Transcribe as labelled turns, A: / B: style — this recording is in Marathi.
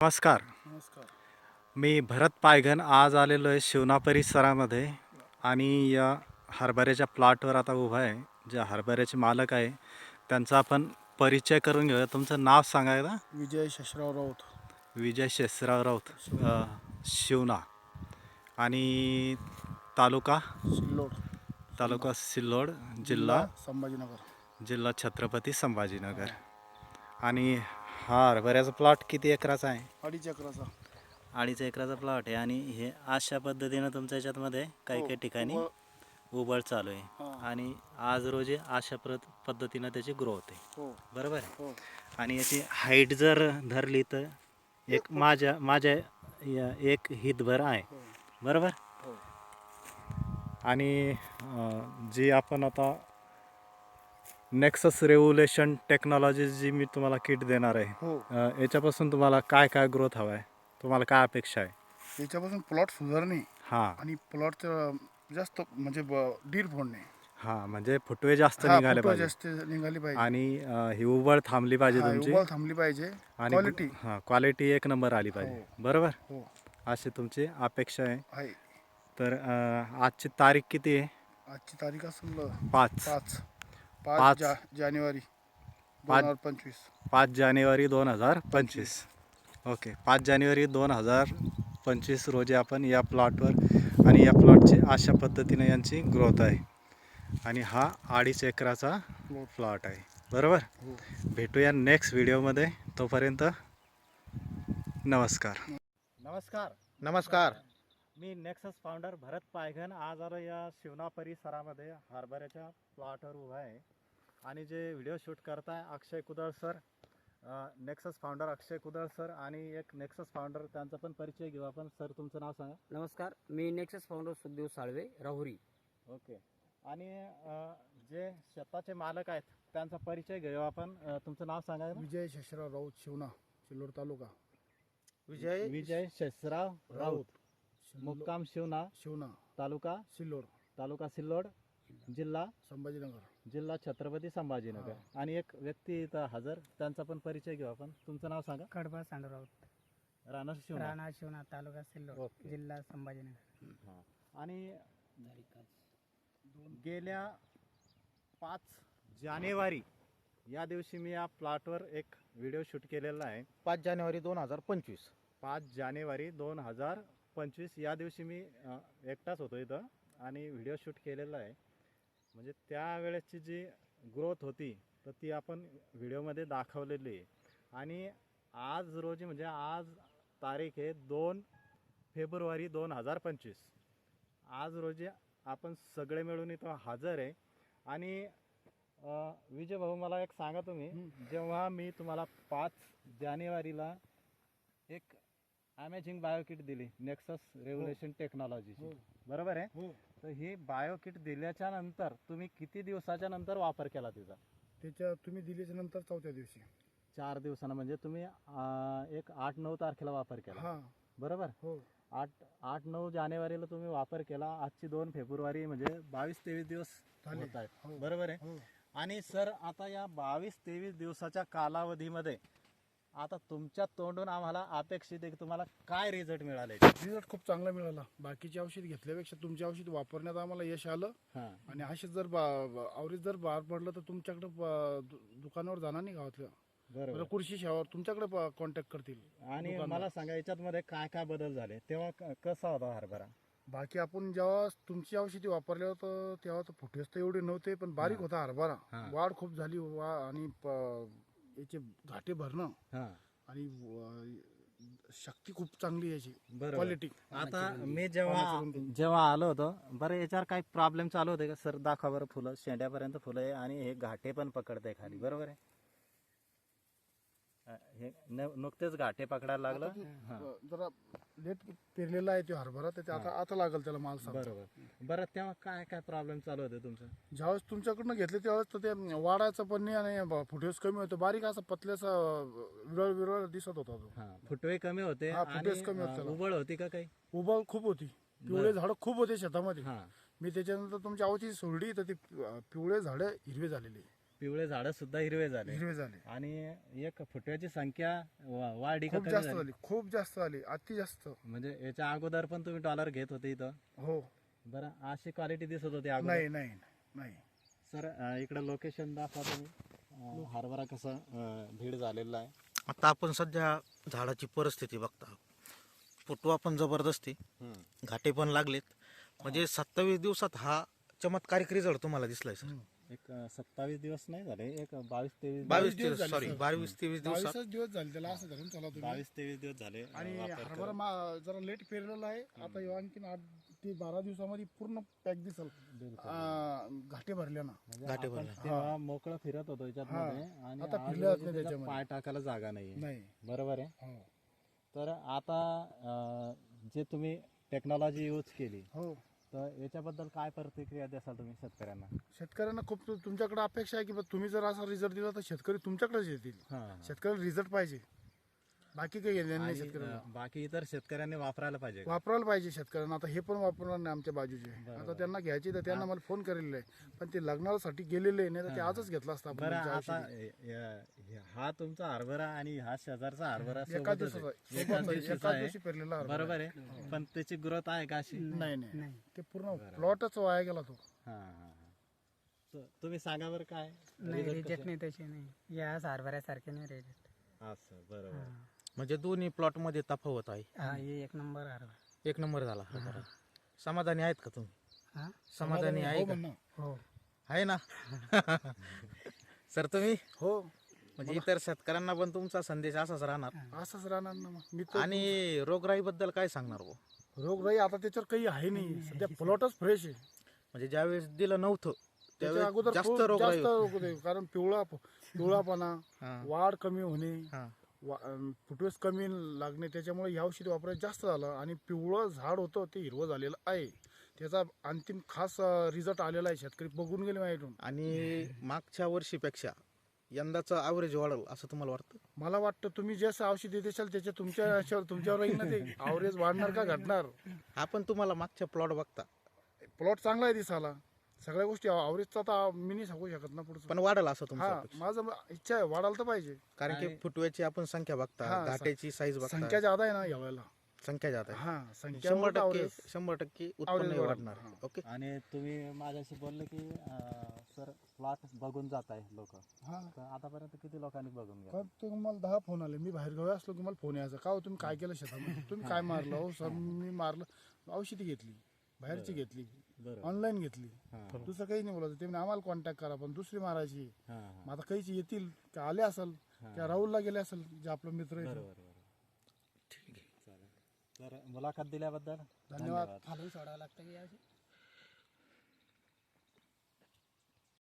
A: नमस्कार.
B: नमस्कार.
A: मी भरत पायघन आज आलेलो आहे शिवना परिसरामध्ये आणि या हरभऱ्याच्या प्लॉटवर आता उभा आहे. जे हरभऱ्याचे मालक आहे त्यांचा आपण परिचय करून घेऊया. तुमचं नाव सांगायला?
B: विजय शशराव राऊत.
A: विजय शेषराव राऊत,
B: शिवना.
A: शिवना. आणि तालुका
B: सिल्लोड.
A: तालुका सिल्लोड,
B: जिल्हा
A: जिल्हा
B: संभाजीनगर.
A: जिल्हा छत्रपती संभाजीनगर. आणि हा हरभऱ्याचा प्लॉट किती एकराचा आहे?
B: 2.5 एकराचा.
A: 2.5 एकराचा प्लॉट आहे. आणि हे अशा पद्धतीनं तुमच्या याच्यातमध्ये काही
B: हो,
A: काही ठिकाणी
B: उभं.
A: उबळ चालू आहे.
B: हां.
A: आणि आज रोजी अशा पद्धतीनं त्याची ग्रोथ आहे.
B: हो
A: बरोबर आहे.
B: हो.
A: आणि याची हाईट जर धरली तर एक माझ्या एक हितभर आहे.
B: हो
A: बरोबर.
B: हो.
A: आणि जी आपण आता नेक्सस रेव्होल्युशन टेक्नॉलॉजी जी मी तुम्हाला किट देणार आहे,
B: हो.
A: याच्यापासून तुम्हाला काय काय ग्रोथ हवा आहे, तुम्हाला काय अपेक्षा आहे?
B: याच्यापासून प्लॉट सुधारणे
A: हां
B: आणि प्लॉट जास्त म्हणजे डीर फोडणे.
A: हां, म्हणजे फुटवे जास्त
B: हा,
A: निघाले
B: फुटवा
A: पाहिजे.
B: जास्त निघाली पाहिजे.
A: आणि ही उबळ थांबली पाहिजे
B: हा,
A: तुमची.
B: उबळ थांबली पाहिजे.
A: आणि
B: क्वालिटी.
A: हां, क्वालिटी एक नंबर आली पाहिजे.
B: हो
A: बरोबर.
B: हो.
A: अशी तुमची अपेक्षा आहे.
B: आहे.
A: तर आजची तारीख किती आहे?
B: आजची तारीख असेल
A: 5
B: 5
A: 5
B: जानेवारी
A: 5
B: 2025.
A: 5 जानेवारी 2025. ओके, 5 जानेवारी 2025 रोजी आपण या प्लॉटवर, आणि या प्लॉटची अशा पद्धतीने यांची ग्रोथ आहे. आणि हा 2.5 एकराचा प्लॉट आहे. बरोबर.
B: हो.
A: भेटूया नेक्स्ट व्हिडिओमध्ये. तोपर्यंत नमस्कार. नमस्कार.
C: नमस्कार.
A: मी नेक्सस फाउंडर भरत पायघन आज आलो या शिवना परिसरामध्ये हरभऱ्याच्या प्लॉटवर उभा आहे. आणि जे व्हिडिओ शूट करताय अक्षय कुदळ सर, नेक्सस फाउंडर अक्षय कुदळ सर, आणि एक नेक्सस फाउंडर त्यांचा पण परिचय घेऊ आपण. सर, तुमचं नाव सांगा.
D: नमस्कार, मी Nexus founder Sukhdev Salve, Rahuri.
A: Okay. आणि जे शेताचे मालक आहेत त्यांचा परिचय घेऊ आपण. तुमचं नाव सांगा.
B: विजय शशराव राऊत, शिवना, सिल्लोड तालुका.
A: विजय शेषराव राऊत, मुक्काम शिवना,
B: शिवना,
A: तालुका सिल्लोड, जिल्हा
B: संभाजीनगर,
A: छत्रपती संभाजीनगर. आणि एक व्यक्ती इथं हजर, त्यांचा पण परिचय घेऊ आपण. तुमचं नाव सांगा.
E: कडबा सांडराव,
A: राणा शिवना.
E: राणा शिवना, तालुका सिल्लोड,
A: ओके.
E: जिल्हा संभाजीनगर.
A: हां. आणि गेल्या 5 जानेवारी या दिवशी मी या प्लॉटवर एक व्हिडिओ शूट केलेला आहे.
C: 5 जानेवारी 2025.
A: 5 जानेवारी 2025 या दिवशी मी एकटाच होतो इथं आणि व्हिडिओ शूट केलेला आहे. म्हणजे त्यावेळेसची जी ग्रोथ होती तर ती आपण व्हिडिओमध्ये दाखवलेली आहे. आणि आज रोजी, म्हणजे आज तारीख आहे 2 फेब्रुवारी 2025. आज रोजी आपण सगळे मिळून इथं हजर आहे. आणि विजय भाऊ, मला एक सांगा, तुम्ही जेव्हा मी तुम्हाला 5 जानेवारीला एक अमेझिंग बायोकिट दिली नेक्सस रेव्होल्युशन टेक्नॉलॉजीची, बरोबर आहे?
B: हो.
A: तर ही बायोकिट दिल्याच्या नंतर तुम्ही किती दिवसाच्या नंतर वापर केला तिचा?
B: त्याच्या तुम्ही दिल्याच्या नंतर 4थ्या दिवशी.
A: 4 दिवसानं, म्हणजे तुम्ही एक 8-9 तारखेला वापर केला,
B: हा.
A: बरोबर?
B: हो.
A: 8-9 जानेवारीला तुम्ही वापर केला. आजची 2 फेब्रुवारी, म्हणजे 22-23 दिवस
B: झाले.
A: होत आहेत,
B: हो.
A: बरोबर आहे?
B: हो.
A: आणि सर, आता या 22-23 दिवसाच्या कालावधीमध्ये आता तुमच्या तोंडून आम्हाला अपेक्षित आहे की तुम्हाला काय रिझल्ट मिळाले?
B: रिझल्ट खूप चांगला मिळाला. बाकीचे औषध घेतल्यापेक्षा तुमचे औषध वापरण्यात आम्हाला यश आलं.
A: हां.
B: आणि असे जर आवरीत जर बाहेर पडलं तर तुमच्याकडे दुकानावर जाणार नाही गावातल्या.
A: बरोबर.
B: कृषी सेवावर तुमच्याकडे कॉन्टॅक्ट करतील.
A: आणि
B: दुकानदार.
A: मला सांगा, याच्यामध्ये काय काय बदल झाले? तेव्हा कसा होता हरभरा?
B: बाकी आपण जेव्हा तुमची औषधी वापरले होतं तेव्हा तर फुटेज तर एवढे नव्हते, पण बारीक होता हरभरा.
A: हां.
B: वाढ खूप झाली. आणि याचे घाटे भरणं
A: हां,
B: आणि शक्ती खूप चांगली याची.
A: बरोबर.
B: क्वालिटी.
A: आता मी जेव्हा आलो होतो, बरं, याच्यावर काही प्रॉब्लेम चालू होते का सर? दाखवा बरं. फुलं शेंड्यापर्यंत फुलं आहे आणि हे घाटे पण पकडते खाली, बरोबर आहे? हे नुकतेच घाटे पकडायला लागलं. हां,
B: जरा लेट पेरलेला आहे तो हरभरा, तर आता लागल त्याला माल सांग.
A: बरोबर. बरं, तेव्हा काय काय प्रॉब्लेम चालू होते तुमचं?
B: ज्यावेळेस तुमच्याकडनं घेतले त्यावेळेस तर ते वाढायचं पण नाही आणि फुटेज कमी होतं. बारीक असा पतल्याचा विरळ दिसत होता तो.
A: हां, फुटवे कमी होते.
B: हां,
A: आणि
B: फुटेज कमी होते त्याला.
A: उबळ होती का काही?
B: उबळ खूप होती. पिवळे झाडं खूप होते शेतामध्ये.
A: हां,
B: मी त्याच्यानंतर तुमच्या आवची सोडली तर ती पिवळे झाडं हिरवे झालेली.
A: पिवळे झाडं सुद्धा हिरवे झाले
B: हिरवे झाले.
A: आणि एक फुटव्याची संख्या वाढी का
B: खूप
A: कमी
B: जास्त
A: झाली?
B: झाली, खूप जास्त झाली, अति जास्त.
A: म्हणजे याच्या अगोदर पण तुम्ही डॉलर घेत होते इथं?
B: हो.
A: बरं, अशी क्वालिटी दिसत होती अगोदर?
B: नाही नाही नाही.
A: सर इकडे लोकेशन दाखवा तुम्ही. हरभरा कसं भीड झालेला आहे.
C: आता आपण सध्या झाडाची परिस्थिती बघता, फुटवा पण जबरदस्ती, घाटे पण लागलेत. म्हणजे 27 दिवसात हा चमत्कारिक रिझल्ट तुम्हाला दिसलाय सर.
A: एक 27 दिवस नाही झाले, एक 22-23
C: 22
B: दिवस झाले,
C: सॉरी
B: सर.
C: 22-23 दिवसात
B: 22 दिवस झाले त्याला, असं धरून चला तुम्ही.
A: 22-23 दिवस झाले
B: आणि
A: वापर
B: हरभरा जरा लेट पेरलेला आहे. आता ह्यो आणखीन 8 ते 12 दिवसामध्ये पूर्ण पॅक दिसल घाटे भरल्यानं.
A: म्हणजे
C: घाटे
A: आपण
C: भरले.
A: तेव्हा मोकळं फिरत होतो याच्यात
B: हा.
A: मध्ये आणि
B: आता
A: आज
B: फिरले जात
A: रोजी
B: नाही
A: त्याला
B: त्याच्यामध्ये.
A: पाय टाकायला जागा नाहीये.
B: नाही.
A: बरोबर आहे.
B: हो.
A: तर आता जे तुम्ही टेक्नॉलॉजी यूज केली,
B: हो.
A: तर याच्याबद्दल काय प्रतिक्रिया द्याल तुम्ही शेतकऱ्यांना?
B: शेतकऱ्यांना खूप तुमच्याकडे अपेक्षा आहे की बा तुम्ही जर असा रिझल्ट दिला तर शेतकरी तुमच्याकडेच येतील.
A: हा.
B: शेतकऱ्याला रिझल्ट पाहिजे, बाकी काही घेणं नाही
A: आणि,
B: शेतकऱ्याला.
A: बाकी इतर शेतकऱ्यांनी वापरायला पाहिजे का?
B: वापरायला पाहिजे शेतकऱ्यांना. आता हे पण वापरणार नाही आमच्या बाजूचे.
A: बरोबर.
B: आता त्यांना घ्यायची तर त्यांना मला फोन करेल आहे, पण ते लग्नासाठी गेलेले नाही तर ते आजच घेतला असता आपण
A: बरं,
B: तुमच्या
A: आता
B: औषधी.
A: हा तुमचा हरभरा आणि हा शेजारचा हरभरा
B: एका
A: सोबतच
B: दिवसाचा
A: आहे. एकाच दिवशीचा
B: एका
A: आहे.
B: दिवशी पेरलेला हरभरा.
A: बरोबर आहे. पण त्याची ग्रोथ आहे का अशी?
B: नाही नाही
E: नाही.
B: ते पूर्ण प्लॉटच वाया गेला तो.
A: हा हा हा. तुम्ही सांगा बरं काय
E: नाही
A: result
E: रिजेक्ट
A: कसं?
E: नाही तसे नाही, या हरभऱ्यासारखे नाही रिजेक्ट.
A: असं बरोबर.
C: म्हणजे दोन्ही प्लॉट मध्ये तफावत आहे.
E: हा हे एक नंबर हरभरा.
C: 1 नंबर झाला हरभरा. समाधानी आहेत का तुम्ही?
E: हा
C: समाधानी आहे
B: हो
C: का?
B: म्हणणं.
E: हो.
C: आहे ना? सर तुम्ही
B: हो
C: म्हणजे इतर शेतकऱ्यांना पण तुमचा संदेश असाच राहणार.
B: असंच राहणार ना मग. मी तर
C: आणि रोगराई बद्दल काय सांगणार भाऊ?
B: रोगराई आता त्याच्यावर काही आहे नाही सध्या, प्लॉटच फ्रेश आहे.
C: म्हणजे ज्यावेळेस दिलं नव्हतं
B: त्याच्या
C: त्यावेळेस
B: अगोदर
C: जास्त
B: खूप
C: रोगराई
B: जास्त रोग होते. कारण पिवळापणा,
C: हा,
B: वाढ कमी होणे,
C: हा.
B: फुटवेस कमी लागणे, त्याच्यामुळे ह्या औषधी वापरायचं जास्त झालं. आणि पिवळं झाड होतं ते हिरवं झालेलं आहे. त्याचा अंतिम खास रिझल्ट आलेला आहे. शेतकरी बघून गेले माझ्याकडून.
C: आणि मागच्या वर्षीपेक्षा यंदाचं ॲव्हरेज वाढेल असं तुम्हाला वाटतं?
B: मला वाटतं तुम्ही जसं औषधी देशाल त्याच्या तुमच्यावर राहील ना ते. आवरेज वाढणार का घटणार.
C: आपण तुम्हाला मागच्या प्लॉट बघता
B: प्लॉट चांगला आहे दिसाला, सगळ्या गोष्टी आवरेजचा तर मी नाही सांगू शकत ना पुढचं.
C: पण वाढेल असं तुमचं
B: हा
C: अपेक्षा?
B: माझं इच्छा आहे, वाढायला तर पाहिजे.
C: कारण की फुटव्याची आपण संख्या बघता,
B: हा,
C: घाट्याची साईज बघता,
B: संख्या जादा आहे ना या वेळेला.
C: संख्या जात आहे.
B: हा
C: 100% उत्पन्न
B: average
C: वाढणार.
B: हा.
C: ओके.
A: आणि तुम्ही माझ्याशी बोलले की सर प्लॉट बघून जात आहे लोक,
B: हा.
A: तर आतापर्यंत किती लोकांनी बघून घ्या?
B: का तुम्हाला 10 फोन आले. मी बाहेर गावी असलो की मला फोन यायचा, का हो तुम्ही काय केलं शेतामध्ये, तुम्ही काय मारलं. हो सर मी मारलं, औषधी घेतली, बाहेरची घेतली,
A: बरोबर.
B: ऑनलाईन घेतली,
A: हा
B: दुसरं काही नाही बोलायचं. ते म्हणे आम्हाला कॉन्टॅक्ट करा, पण दुसरी मारायची.
A: हा
B: मग आता काहीच येतील का आले असेल त्या राहुलला गेले असेल जे आपलं मित्र आहे.
A: बरोबर बरोबर. ठीक आहे, चालेल. तर मुलाखत दिल्याबद्दल
B: धन्यवाद.
E: खाली सोडावं लागतं की अशी